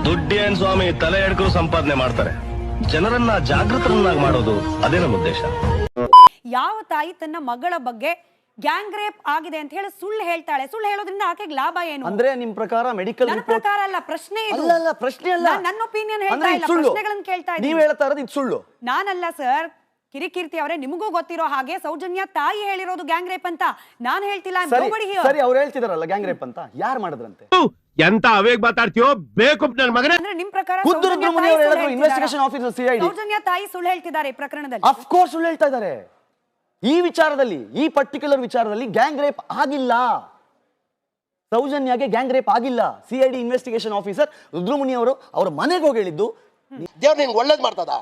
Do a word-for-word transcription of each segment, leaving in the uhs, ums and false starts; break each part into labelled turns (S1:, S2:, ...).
S1: ದುಡ್ಡೇನ್ ಸ್ವಾಮಿ ತಲೆ ಎಡ್ಕರು ಸಂಪಾದನೆ ಮಾಡ್ತಾರೆ, ಜನರನ್ನ ಜಾಗೃತರನ್ನಾಗಿ ಮಾಡೋದು ಅದೇ ನಮ್ಮ ಉದ್ದೇಶ.
S2: ಯಾವ ತಾಯಿ ತನ್ನ ಮಗಳ ಬಗ್ಗೆ ಗ್ಯಾಂಗ್ ರೇಪ್ ಆಗಿದೆ ಅಂತ ಹೇಳಿ ಸುಳ್ಳು ಹೇಳ್ತಾಳೆ? ಸುಳ್ಳು ಹೇಳೋದ್ರಿಂದ ಆಕೆಗೆ ಲಾಭ ಏನು?
S3: ಅಂದ್ರೆ ನಿಮ್ ಪ್ರಕಾರ ಮೆಡಿಕಲ್
S2: ನನ್ನ ಪ್ರಕಾರ ಅಲ್ಲ, ಪ್ರಶ್ನೆ ಇದು.
S3: ಅಲ್ಲ ಅಲ್ಲ ಪ್ರಶ್ನೆ ಅಲ್ಲ,
S2: ನನ್ನ ಒಪಿನಿಯನ್ ಹೇಳ್ತಾ ಇಲ್ಲ, ಪ್ರಶ್ನೆಗಳನ್ನು ಕೇಳ್ತಾ ಇದ್ದೀನಿ.
S3: ನೀವು ಹೇಳ್ತಾ ಇರೋದು ಇದು ಸುಳ್ಳು.
S2: ನಾನಲ್ಲ ಸರ್, ಕಿರಿಕೀರ್ತಿ ಅವರೇ, ನಿಮಗೂ ಗೊತ್ತಿರೋ ಹಾಗೆ ಸೌಜನ್ಯ ತಾಯಿ ಹೇಳಿರೋದು ಗ್ಯಾಂಗ್ ರೇಪ್ ಅಂತ. ನಾನು ಹೇಳ್ತಿಲ್ಲ.
S3: ಸರಿ, ಅವ್ರು ಹೇಳ್ತಿದಾರಲ್ಲ ಗ್ಯಾಂಗ್ ರೇಪ್ ಅಂತ, ಯಾರು ಮಾಡಿದ್ರಂತೆ?
S4: ಎಂತ ಅವೇಗ್ ಮಾತಾಡ್ತೀಯೋ ಬೇಕು ನನ್ನ ಮಗನೇ.
S2: ಅಂದ್ರೆ ನಿಮ್ ಪ್ರಕಾರ
S3: ಇನ್ವೆಸ್ಟಿಗೇಷನ್ ಆಫೀಸರ್ ಸಿಐಡಿ
S2: ಸೌಜನ್ಯ ತಾಯಿ ಸುಳ್ಳು ಹೇಳ್ತಿದ್ದಾರೆ ಈ ಪ್ರಕರಣದಲ್ಲಿ?
S3: ಆಫ್ ಕೋರ್ಸ್ ಸುಳ್ಳು ಹೇಳ್ತಾ ಇದ್ದಾರೆ. ಈ ವಿಚಾರದಲ್ಲಿ, ಈ ಪರ್ಟಿಕ್ಯುಲರ್ ವಿಚಾರದಲ್ಲಿ ಗ್ಯಾಂಗ್ ರೇಪ್ ಆಗಿಲ್ಲ. ಸೌಜನ್ಯಗೆ ಗ್ಯಾಂಗ್ ರೇಪ್ ಆಗಿಲ್ಲ. ಸಿಐಡಿ ಇನ್ವೆಸ್ಟಿಗೇಷನ್ ಆಫೀಸರ್ ರುದ್ರಮುನಿ ಅವರು ಅವರ ಮನೆಗೆ ಹೋಗಿ ಹೇಳಿದ್ದು,
S5: ದೇವ್ರು ನಿನ್ಗೆ ಒಳ್ಳೇದು ಮಾಡ್ತದ,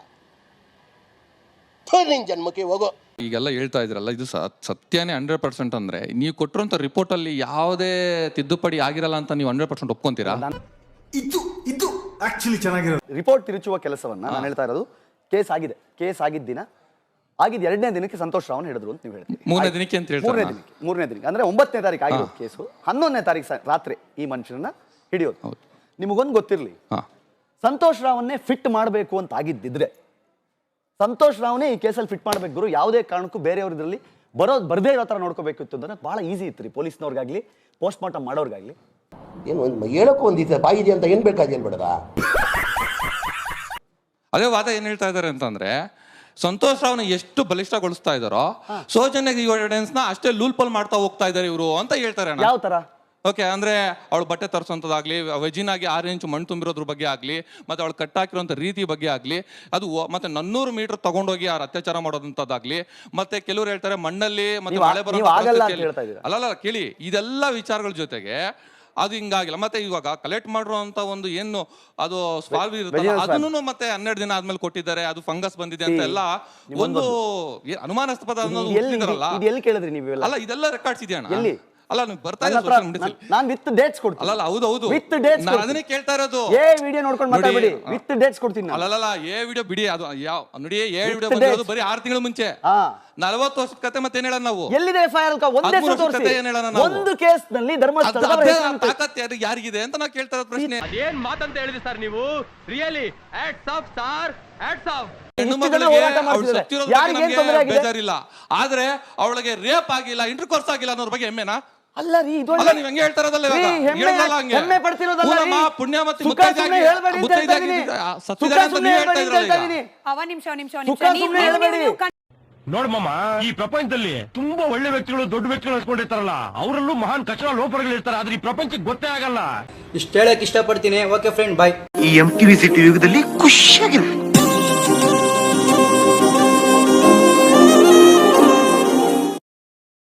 S5: ನಿನ್ ಜನ್ಮಕ್ಕೆ ಹೋಗೋ.
S6: ಈಗೆಲ್ಲ ಹೇಳ್ತಾ ಇದ್ರಲ್ಲ, ಇದು ಸತ್ಯನೇ ಹಂಡ್ರೆಡ್ ಪರ್ಸೆಂಟ್ ಅಂದ್ರೆ ನೀವು ಕೊಟ್ಟಿರುವಂತ ರಿಪೋರ್ಟ್ ಅಲ್ಲಿ ಯಾವುದೇ ತಿದ್ದುಪಡಿ ಆಗಿರಲ್ಲ ಅಂತ ನೀವು ಹಂಡ್ರೆಡ್ ಪರ್ಸೆಂಟ್ ಒಪ್ಕೊಂತೀರಾ?
S7: ಇದು ಇದು ಆಕ್ಚುಲಿ ಚೆನ್ನಾಗಿರೋದು.
S3: ರಿಪೋರ್ಟ್ ತಿರುಚುವ ಕೆಲಸವನ್ನ ನಾನು ಹೇಳ್ತಾ ಇರೋದು, ಕೇಸ್ ಆಗಿದೆ, ಕೇಸ್ ಆಗಿದ್ದ ದಿನ ಆಗಿದ್ದು ಎರಡನೇ ದಿನಕ್ಕೆ ಸಂತೋಷ್ ರಾವ್ ಹೇಳಿದ್ರು ಅಂತ ನೀವು ಹೇಳ್ತೀರಿ.
S6: ಮೂರನೇ ದಿನಕ್ಕೆ ಅಂತ ಹೇಳ್ತಾರೆ.
S3: ಮೂರನೇ ದಿನಕ್ಕೆ ಮೂರನೇ ದಿನಕ್ಕೆ ಅಂದ್ರೆ ಒಂಬತ್ತನೇ ತಾರೀಕು ಆಗಿರೋದು ಕೇಸು. ಹನ್ನೊಂದನೇ ತಾರೀಕು ರಾತ್ರಿ ಈ ಮನುಷ್ಯರನ್ನ ಹಿಡಿಯೋದು. ನಿಮಗೊಂದು ಗೊತ್ತಿರಲಿ, ಸಂತೋಷ್ ರಾವನ್ನೇ ಫಿಟ್ ಮಾಡಬೇಕು ಅಂತ ಆಗಿದ್ದಿದ್ರೆ ಸಂತೋಷ್ ರಾವ್ನೇ ಈ ಕೇಸಲ್ಲಿ ಫಿಟ್ ಮಾಡ್ಬೇಕು ಗುರು. ಯಾವುದೇ ಕಾರಣಕ್ಕೂ ಬೇರೆಯವ್ರ ಇದರಲ್ಲಿ ಬರೋದು ಬರದೇ ಇರೋ ತರ ನೋಡ್ಕೋಬೇಕಿತ್ತು ಅಂದ್ರೆ ಬಹಳ ಈಸಿ ಇತ್ತು ರೀ, ಪೊಲೀಸ್ನವ್ರಿಗಾಗ್ಲಿ ಪೋಸ್ಟ್ ಮಾರ್ಟಮ್ ಮಾಡೋರ್ಗಾಗ್ಲಿ.
S5: ಏನು ಒಂದು ಹೇಳಕ್ಕೂ ಒಂದಿತ್ತು ಬಾಯಿದೆ ಅಂತ ಏನ್ ಬೇಕಾದ ಏನ್ ಬೇಡದ.
S6: ಅದೇ ವಾದ ಏನ್ ಹೇಳ್ತಾ ಇದಾರೆ ಅಂತಂದ್ರೆ, ಸಂತೋಷ್ ರಾವ್ನ ಎಷ್ಟು ಬಲಿಷ್ಠಗೊಳಿಸ್ತಾ ಇದಾರೋ ಸೌಜನ್ಯ ಎವಿಡೆನ್ಸ್ ನ ಅಷ್ಟೇ ಲೂಲ್ಪಲ್ ಮಾಡ್ತಾ ಹೋಗ್ತಾ ಇದಾರೆ ಇವರು ಅಂತ ಹೇಳ್ತಾರೆ.
S3: ಯಾವ ತರ?
S6: ಓಕೆ, ಅಂದ್ರೆ ಅವಳು ಬಟ್ಟೆ ತರಿಸೋಂಥದ್ದಾಗ್ಲಿ, ವೆಜಿನಾಗಿ ಆರು ಇಂಚು ಮಣ್ಣು ತುಂಬಿರೋದ್ರ ಬಗ್ಗೆ ಆಗ್ಲಿ, ಮತ್ತೆ ಅವಳು ಕಟ್ಟಾಕಿರೋಂಥ ರೀತಿ ಬಗ್ಗೆ ಆಗ್ಲಿ, ಅದು ಮತ್ತೆ ನನ್ನೂರು ಮೀಟರ್ ತಗೊಂಡೋಗಿ ಅವ್ರು ಅತ್ಯಾಚಾರ ಮಾಡೋದಂಥದ್ದಾಗ್ಲಿ, ಮತ್ತೆ ಕೆಲವರು ಹೇಳ್ತಾರೆ ಮಣ್ಣಲ್ಲಿ ಮತ್ತೆ ಮಳೆ ಬರೋ ಅಲ್ಲಲ್ಲ ಕೇಳಿ, ಇದೆಲ್ಲ ವಿಚಾರಗಳ ಜೊತೆಗೆ ಅದು ಹಿಂಗಾಗಿಲ್ಲ. ಮತ್ತೆ ಇವಾಗ ಕಲೆಕ್ಟ್ ಮಾಡಿರುವಂತ ಒಂದು ಏನು ಅದು ಸ್ವಾಲ್ವ್ ಇರುತ್ತೆ ಅದನ್ನು ಮತ್ತೆ ಹನ್ನೆರಡು ದಿನ ಆದ್ಮೇಲೆ ಕೊಟ್ಟಿದ್ದಾರೆ, ಅದು ಫಂಗಸ್ ಬಂದಿದೆ ಅಂತ ಎಲ್ಲ ಒಂದು ಅನುಮಾನಾಸ್ಪದ ಅಲ್ಲ. ಇದೆಲ್ಲ ರೆಕಾರ್ಡ್ಸ್ ಇದೆಯಣ್ಣ. ಅಲ್ಲ ನೀವು ಬರ್ತಾ
S3: ನಾನು ವಿತ್ ಡೇಟ್ಸ್ ಕೊಡ್ತೀನಿ.
S6: ಅಲ್ಲ ಹೌದು ಹೌದು
S3: ವಿತ್ ಡೇಟ್ಸ್
S6: ಅದನ್ನೇ ಕೇಳ್ತಾ ಇರೋದು.
S3: ಏ ವಿಡಿಯೋ ನೋಡ್ಕೊಂಡು ಮಾತಾಡಬೇಡಿ, ವಿತ್ ಡೇಟ್ಸ್ ಕೊಡ್ತೀನಿ.
S6: ಅಲ್ಲಲ್ಲ ಏ ವಿಡಿಯೋ ಬಿಡಿ, ಅದು ಯಾವ ನೋಡಿ ಏ ವಿಡಿಯೋ ಬಂದಿರೋದು ಬರೀ ಆರು ತಿಂಗಳ ಮುಂಚೆ. ನಲವತ್ತು ವರ್ಷದ ಕತೆ ಮತ್ತೆ ಏನ್ ಹೇಳೋಣ ನಾವು?
S3: ಎಲ್ಲಿದೆ ಎಫ್ಐಆರ್? ಒಂದೇ ತೋರಿಸಿ, ಒಂದು ಕೇಸ್ ನಲ್ಲಿ ಧರ್ಮಸ್ಥಳ
S6: ತಾಕತ್ ಯಾರಿಗಿದೆ ಅಂತ ನಾವು ಕೇಳ್ತಾ ಇರೋದು ಪ್ರಶ್ನೆ.
S4: ಏನ್ ಮಾತಂತ ಹೇಳಿದ್ರಿ ಸರ್ ನೀವು? Really hats off sir, hats off.
S6: ಹೆಣ್ಣು ಮಗಳಿಗೆ ಅವಳು ಸತ್ತಿರೋದು ಬೇಜಾರಿಲ್ಲ, ಆದ್ರೆ ಅವಳಿಗೆ ರೇಪ್ ಆಗಿಲ್ಲ, ಇಂಟರ್ ಕೋರ್ಸ್ ಆಗಿಲ್ಲ ಅನ್ನೋದ್ರ ಬಗ್ಗೆ ಹೆಮ್ಮೆನಾ?
S3: ಅಲ್ಲ ರೀ, ಇದು
S6: ನೀವು ಹೆಂಗೆ ಹೇಳ್ತಾ ಇರೋದಲ್ಲ,
S3: ಹೆಮ್ಮೆ ಪಡ್ತಿರೋದಲ್ಲ.
S6: ಪುಣ್ಯಮತಿ
S2: ಅವ ನಿಮಿಷ ನಿಮಿಷ
S4: ನೋಡ್ಮಮ್ಮ, ಈ ಪ್ರಪಂಚದಲ್ಲಿ ತುಂಬಾ ಒಳ್ಳೆ ವ್ಯಕ್ತಿಗಳು, ದೊಡ್ಡ ವ್ಯಕ್ತಿಗಳು ಅನ್ಸ್ಕೊಂಡಿರ್ತಾರಲ್ಲ, ಅವರಲ್ಲೂ ಮಹಾನ್ ಕಚಡ ಲೋಪಗಳು ಇರ್ತಾರೆ. ಆದ್ರೆ ಈ ಪ್ರಪಂಚಕ್ಕೆ ಗೊತ್ತೇ ಆಗಲ್ಲ.
S8: ಇಷ್ಟ ಹೇಳಕ್ ಇಷ್ಟಪಡ್ತೀನಿ. Okay friend, bye.
S7: ಈ ಎಂ ಟಿವಿ ಸಿಟಿ ಯುಗದಲ್ಲಿ ಖುಷಿಯಾಗಿರು.